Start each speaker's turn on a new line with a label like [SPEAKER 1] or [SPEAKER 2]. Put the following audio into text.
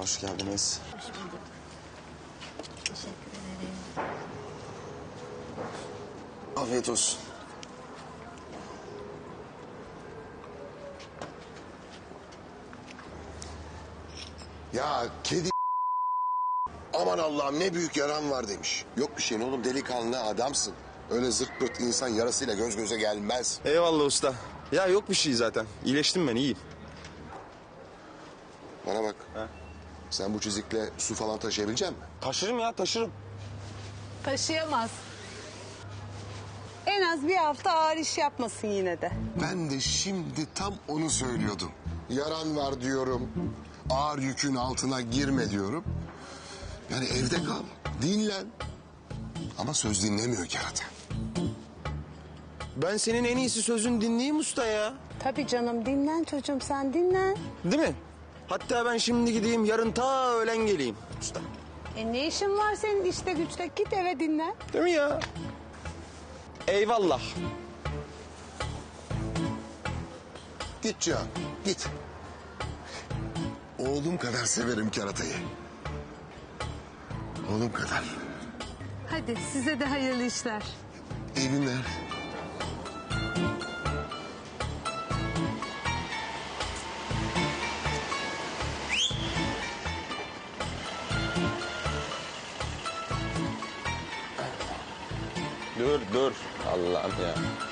[SPEAKER 1] hoş geldiniz.
[SPEAKER 2] Hoş bulduk. Teşekkür ederim.
[SPEAKER 1] Afiyet olsun.
[SPEAKER 3] Ya kedi aman Allah'ım ne büyük yaran var demiş. Yok bir şeyin oğlum, delikanlı adamsın. Öyle zırt pırt insan yarasıyla göz göze gelmez.
[SPEAKER 1] Eyvallah usta. Ya yok bir şey zaten. İyileştim ben, iyiyim.
[SPEAKER 3] Bana bak.
[SPEAKER 1] He?
[SPEAKER 3] Sen bu çizikle su falan taşıyabilecek misin?
[SPEAKER 1] Taşırım ya, taşırım.
[SPEAKER 4] Taşıyamaz. En az bir hafta ağır iş yapmasın yine de.
[SPEAKER 3] Ben de şimdi tam onu söylüyordum. Yaran var diyorum. Ağır yükün altına girme diyorum. Yani evde kal, dinlen. Ama söz dinlemiyor kerata.
[SPEAKER 1] Ben senin en iyisi sözün dinleyeyim usta ya.
[SPEAKER 4] Tabii canım, dinlen çocuğum, sen dinlen.
[SPEAKER 1] Değil mi? Hatta ben şimdi gideyim, yarın ta öğlen geleyim usta.
[SPEAKER 4] Ne işin var senin işte güçte, git eve dinlen.
[SPEAKER 1] Değil mi ya? Eyvallah.
[SPEAKER 3] Git Cihan, git. Oğlum kadar severim keratayı. Oğlum kadar.
[SPEAKER 4] Hadi size de hayırlı işler.
[SPEAKER 3] İyi günler.
[SPEAKER 1] Dur. Allah'ım ya.